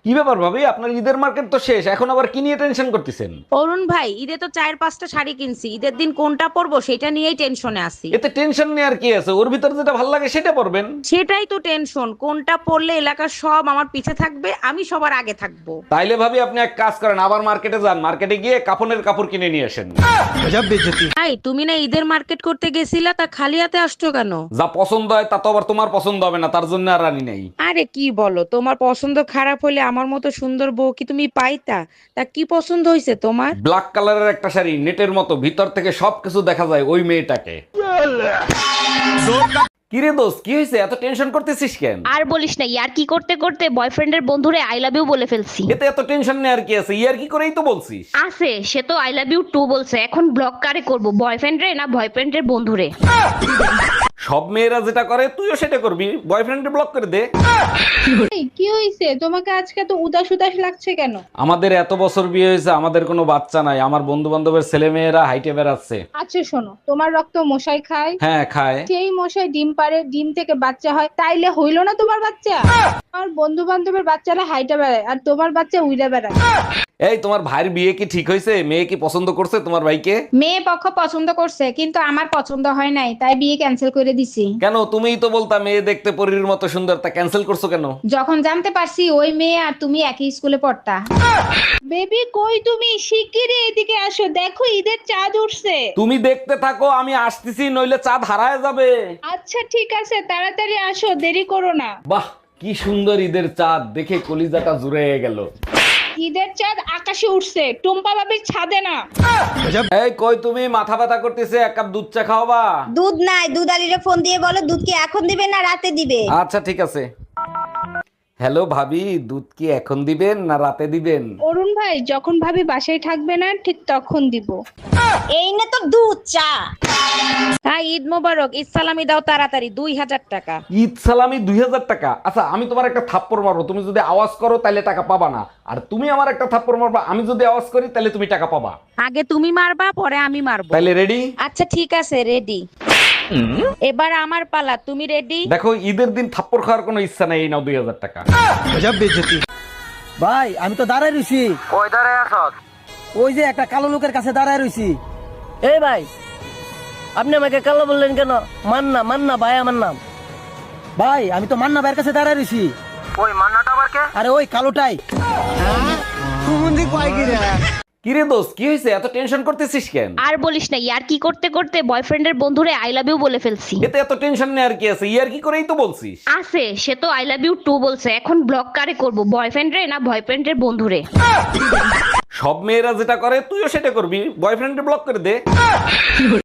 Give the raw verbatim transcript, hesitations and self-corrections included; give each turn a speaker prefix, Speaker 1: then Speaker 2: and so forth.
Speaker 1: কি ব্যাপার ভাবি, আপনার ঈদের মার্কেট তো শেষ, এখন আবার কি নিয়ে টেনশন করতেছেন?
Speaker 2: অরুণ ভাই, ঈদে তো চার পাঁচটা শাড়ি কিনছি, ঈদের দিন কোনটা পরবো সেটা নিয়েই টেনশনে আছি।
Speaker 1: এতে টেনশন নেই আর কি আছে, ওর ভিতর যেটা ভালো লাগে সেটা পরবেন।
Speaker 2: সেটাই তো টেনশন, কোনটা পরলে এলাকার সব আমার পিছে থাকবে, আমি সবার আগে থাকবো।
Speaker 1: তাইলে ভাবি আপনি এক কাজ করেন, আবার মার্কেটে যান, মার্কেটে গিয়ে কাফনের কাপড় কিনে নিয়ে আসেন।
Speaker 2: ভাই, তুমি না ঈদের মার্কেট করতে গেছিলা, তা খালি হাতে আসছো কেন?
Speaker 1: যা পছন্দ হয় তা তো আবার তোমার পছন্দ হবে না, তার জন্য আর রানি নাই।
Speaker 2: আরে কি বলো, তোমার পছন্দ খারাপ হলে আমার মতো সুন্দর বউ কি তুমি পাইতা? তা কি পছন্দ হয়েছে তোমার?
Speaker 1: ব্ল্যাক কালারের একটা শাড়ি, নেটের মতো, ভিতর থেকে সবকিছু দেখা যায় ওই মেয়েটাকে। কিরে দোস্ত, কি হয়েছে, এত টেনশন করতেছিস কেন?
Speaker 3: আর বলিস না, ইয়ার কি করতে করতে বয়ফ্রেন্ডের বন্ধুরে আই লাভ ইউ বলে ফেলছি।
Speaker 1: এতে এত টেনশন নেই আর কি আছে, ইয়ার কি করেই তো বলছিস।
Speaker 3: আছে, সে তো আই লাভ ইউ টু বলছে। এখন ব্লক কারে করব, বয়ফ্রেন্ড রে না বয়ফ্রেন্ডের বন্ধুরে?
Speaker 1: সব মেয়েরা যেটা করে তুইও সেটা করবি, বয়ফ্রেন্ডে ব্লক করে দে।
Speaker 4: এই, কি হইছে তোমাকে আজকে তো উদাস উদাস লাগছে কেন?
Speaker 1: আমাদের এত বছর বিয়ে হয়েছে, আমাদের কোনো বাচ্চা নাই, আমার বন্ধু বান্ধবের ছেলে মেয়েরা হাইটে বেড়াচ্ছে।
Speaker 4: আচ্ছা শোনো, তোমার রক্ত মশাই খায়,
Speaker 1: হ্যাঁ খায়।
Speaker 4: সেই মশাই ডিম পারে, ডিম থেকে বাচ্চা হয়, তাইলে হইলো না তোমার বাচ্চা? আমার বন্ধু বান্ধবের বাচ্চারা হাইটা বেড়ায় আর তোমার বাচ্চা উইড়া বেড়ায়।
Speaker 1: এই তোমার ভাইয়ের বিয়ে কি ঠিক হয়েছে? মেয়ে কি পছন্দ করছে তোমার ভাইকে?
Speaker 4: মেয়ে পক্ষ পছন্দ করছে, কিন্তু আমার পছন্দ হয় নাই, তাই বিয়ে ক্যান্সেল করে দিছি।
Speaker 1: কেন, তুমিই তো বলতা মেয়ে দেখতে পরীর মতো সুন্দর, তা ক্যান্সেল করছো কেন?
Speaker 4: যখন জানতে পারছি ওই মেয়ে আর তুমি একই স্কুলে পড়তা। বেবি কই তুমি? শিগগিরই এদিকে আসো, দেখো ঈদের চাঁদ উঠছে।
Speaker 1: তুমি দেখতে থাকো, আমি আসতেছি, নইলে চাঁদ হারায় যাবে।
Speaker 4: আচ্ছা ঠিক আছে, তাড়াতাড়ি আসো, দেরি করো না।
Speaker 1: বাহ, কি সুন্দর ঈদের চাঁদ, দেখে কলিজাটা জুড়ে গেল।
Speaker 4: ঈদের চাঁদ আকাশে উঠছে, টুম্পা বাবির ছাদে না।
Speaker 1: এই কই তুমি, মাথা ব্যথা করতেছে, এক কাপ দুধ চা খাওয়াবা?
Speaker 5: দুধ নাই, দুধ আলিরে ফোন দিয়ে বলো দুধ কি এখন দিবে না রাতে দিবে।
Speaker 1: আচ্ছা ঠিক আছে। হ্যালো ভাবি, দুধ কি এখন দিবেন না রাতে দিবেন?
Speaker 4: অরুণ ভাই, যখন ভাবি বাসায় থাকবে না ঠিক তখন দিব।
Speaker 5: এই না তো দুধ চা।
Speaker 2: হ্যাঁ, ঈদ মোবারক, ঈদ সালামি দাও তাড়াতাড়ি, দুই হাজার টাকা।
Speaker 1: ঈদ সালামি দুই হাজার টাকা? আচ্ছা আমি তোমার একটা থাপ্পড় মারবো, তুমি যদি আওয়াজ করো তাহলে টাকা পাবা না, আর তুমি আমার একটা থাপ্পড় মারবা, আমি যদি আওয়াজ করি তাহলে তুমি টাকা পাবা।
Speaker 2: আগে তুমি মারবা, পরে আমি মারবো।
Speaker 1: তাহলে রেডি?
Speaker 2: আচ্ছা ঠিক আছে, রেডি। এবার আমার পালা, তুমি রেডি?
Speaker 1: দেখো, ঈদের দিন থাপ্পড় খাওয়ার কোনো ইচ্ছা নাই, এই নাও দুই হাজার টাকা।
Speaker 6: ভাই আমি তো দাঁড়ায় রইছি।
Speaker 7: কই দাঁড়ায় আছস?
Speaker 6: ওই যে একটা কালো লোকের কাছে দাঁড়ায় রইছি।
Speaker 7: এই ভাই, আপনি আমাকে কালো বললেন কেন? মান্না, মান্না ভাই আমার নাম।
Speaker 6: ভাই আমি তো মান্না ভাইয়ের কাছে দাঁড়ায় রইছি।
Speaker 7: ওই মান্নাটা আবার কে?
Speaker 6: আরে ওই কালোটাই।
Speaker 1: কিরে দোস্ত, কি হয়েছে, এত টেনশন করতেছিস কেন?
Speaker 3: আর বলিস না, ইয়ার কি করতে করতে বয়ফ্রেন্ডের বন্ধুরে আই লাভ ইউ বলে ফেলছি।
Speaker 1: এতে এত টেনশন নেই আর কি আছে, ইয়ার কি করেই তো বলছিস।
Speaker 3: আছে, সে তো আই লাভ ইউ টু বলছে। এখন ব্লক কারে করব, বয়ফ্রেন্ড রে না বয়ফ্রেন্ডের বন্ধুরে?
Speaker 1: সব মেয়েরা যেটা করে তুইও সেটা করবি, বয়ফ্রেন্ডে ব্লক করে দে।